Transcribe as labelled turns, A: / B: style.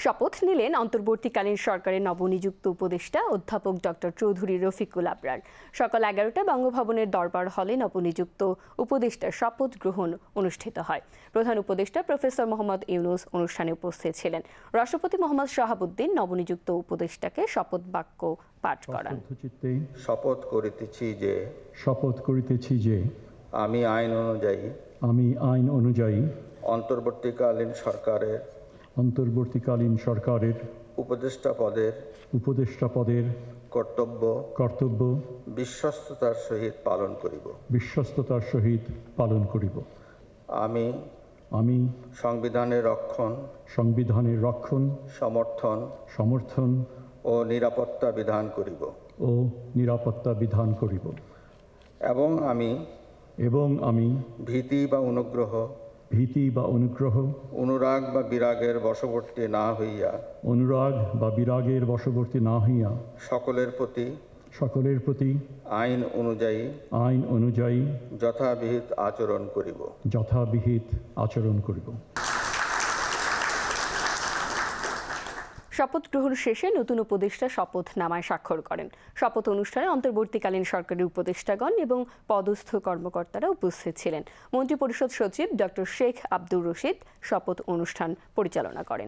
A: শপথ নিলেন অন্তর্বর্তীকালীন সরকারের নবনিযুক্ত উপদেষ্টা অধ্যাপক ডক্টর চৌধুরী রফিকুল আবরার। সকাল 11টায় বঙ্গভবনের দরবার হলে নবনিযুক্ত উপদেষ্টার শপথ গ্রহণ অনুষ্ঠিত হয়। প্রধান উপদেষ্টা প্রফেসর মোহাম্মদ ইউনূস অনুষ্ঠানে উপস্থিত ছিলেন। রাষ্ট্রপতি মোহাম্মদ শাহাবুদ্দিন নবনিযুক্ত উপদেষ্টাকে শপথ বাক্য পাঠ করান।
B: শপথ করিতেছি যে
C: আমি আইন অনুযায়ী
B: অন্তর্বর্তীকালীন সরকারের উপদেষ্টা পদের কর্তব্য
C: বিশ্বস্ততার সহিত পালন করিব। আমি সংবিধানের রক্ষণ সমর্থন ও নিরাপত্তা বিধান করিব এবং আমি ভীতি বা অনুগ্রহ অনুরাগ বা বিরাগের বশবর্তী না হইয়া সকলের প্রতি আইন অনুযায়ী যথাবিহিত আচরণ করিব।
A: শপথ গ্রহণ শেষে নতুন উপদেষ্টা শপথনামায় স্বাক্ষর করেন। শপথ অনুষ্ঠানে অন্তর্বর্তীকালীন সরকারের উপদেষ্টাগণ এবং পদস্থ কর্মকর্তারা উপস্থিত ছিলেন। মন্ত্রিপরিষদ সচিব ডক্টর শেখ আব্দুর রশিদ শপথ অনুষ্ঠান পরিচালনা করেন।